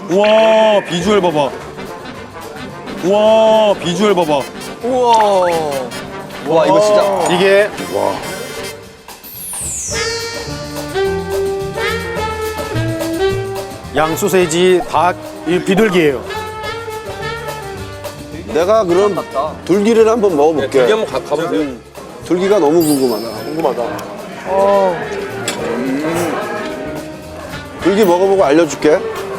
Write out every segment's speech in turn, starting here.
우와 비주얼 봐봐. 우와 비주얼 봐봐. 우와. 와 이거 진짜. 이게 양 소세지 닭 이 비둘기예요. 내가 그럼 둘기를 한번 먹어볼게. 여기 한번 가보세요. 둘기가 너무 궁금하다. 궁금하다. 둘기 먹어보고 알려줄게.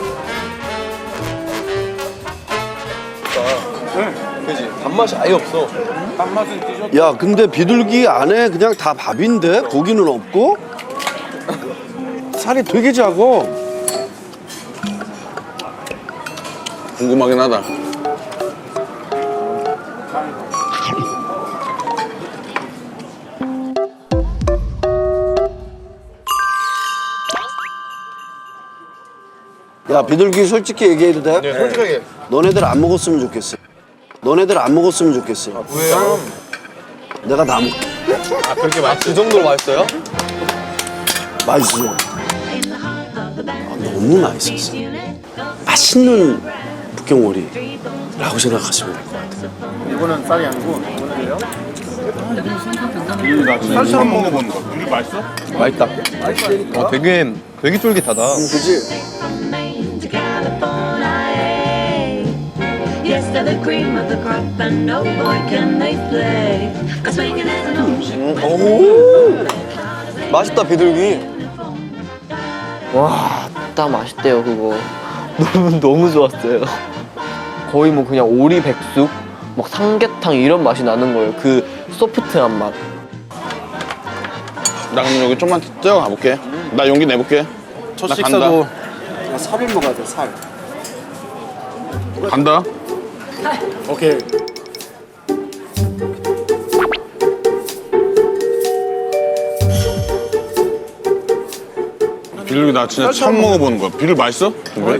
그지 단맛이 아예 없어. 야, 근데 비둘기 안에 그냥 다 밥인데 고기는 없고 살이 되게 작어. 궁금하긴 하다. 야, 비둘기 솔직히 얘기해도 돼? 네, 솔직하게. 너네들 안 먹었으면 좋겠어. 너네들 안 먹었으면 좋겠어. 왜요? 내가 다 먹게. 아 그렇게 맛있어? 그 정도로 맛있어요? 맛있어. 너무 맛있었어. 맛있는 북경오리라고 생각하시면 될 것 같아요. 이거는 쌀이 아니고 이거는요? 쌀처럼 먹어보는 거. 이게 맛있어? 맛있다. 되게 쫄깃하다. 그지? Yes, they're the cream of the crop, and no boy can they play. Cause swinging is an ocean. 오. 맛있다 비둘기. 와, 딱 맛있대요 그거. 너무 좋았어요. 거의 뭐 그냥 오리 백숙, 막 삼계탕 이런 맛이 나는 거예요. 그 소프트한 맛. 나 그럼 여기 좀만 뛰어 가볼게. 나 용기 내볼게. 첫 나 식사도 살을 먹어야 돼, 살. 간다. 오케이. 비둘기 나 진짜 처음 먹어보는 거야. 비둘기 맛있어? 왜?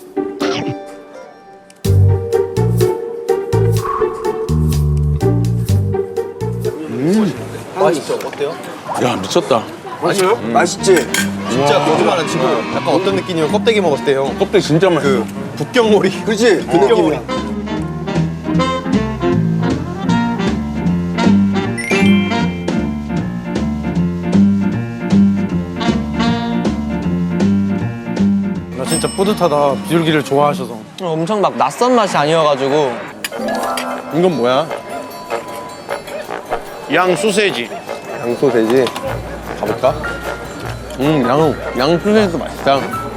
맛있죠? 어때요? 야 미쳤다. 맛있어요? 맛있지? 진짜 거짓말은 지금 약간 어떤 느낌이면 껍데기 먹었을 때 형. 껍데기 진짜 맛있어. 그 북경오리. 그지? 그 느낌이야. 나 진짜 뿌듯하다. 비둘기를 좋아하셔서. 엄청 막 낯선 맛이 아니어가지고. 이건 뭐야? 양 소세지. 양소돼지. 가볼까? 양 소세지도 맛있다.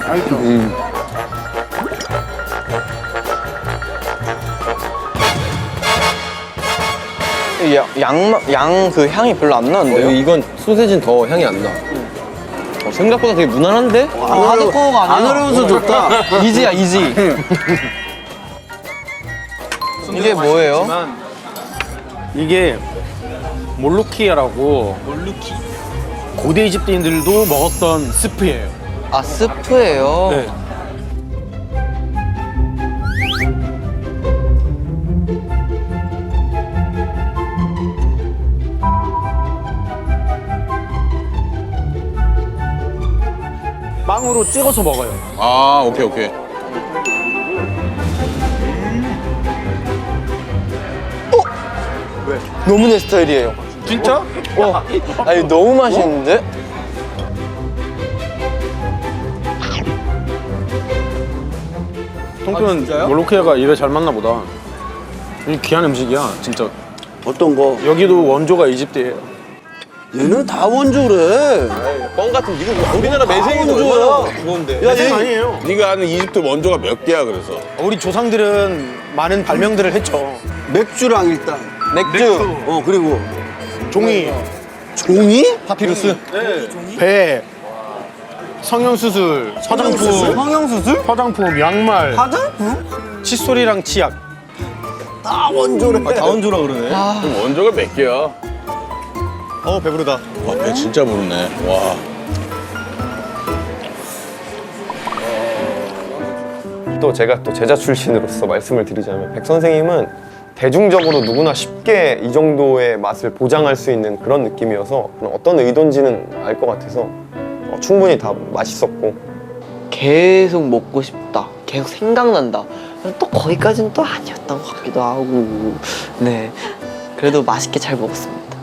양 그 향이 별로 안 나는데요? 이건 소세지는 더 향이 안 나. 생각보다 되게 무난한데? 하드코어가 안 아니야. 어려워서 좋다. 이지야 이지. 이게 뭐예요? 이게 몰루키아라고 고대 이집트인들도 먹었던 스프예요. 아 스프예요. 네. 빵으로 찍어서 먹어요. 아 오케이 오케이. 너무 내 스타일이에요. 진짜? 아니 너무 맛있는데? 통뼈는 몰루키아가 입에 잘 맞나 보다. 이 귀한 음식이야, 진짜. 어떤 거? 여기도 원조가 이집트예요. 얘는 다 원조래. 뻥 같은 이거 우리나라 매생이도 원조야. 얼마나 무거운데. 야, 얘 아니에요. 네가 아는 이집트 원조가 몇 개야 그래서? 우리 조상들은 많은 발명들을 했죠. 맥주랑 일단. 맥주. 그리고 종이, 종이? 파피루스. 배, 성형수술, 화장품, 성형수술? 화장품, 양말, 화장품? 칫솔이랑 치약. 다 원조래. 다 원조라 그러네. 그럼 원조가 몇 개야? 배부르다. 와 배 진짜 부르네. 와. 또 제가 또 제자 출신으로서 말씀을 드리자면 백 선생님은 대중적으로 누구나 쉽게 이 정도의 맛을 보장할 수 있는 그런 느낌이어서 어떤 의도인지는 알 것 같아서 충분히 다 맛있었고 계속 먹고 싶다. 계속 생각난다. 또 거기까지는 또 아니었던 것 같기도 하고. 네, 그래도 맛있게 잘 먹었습니다.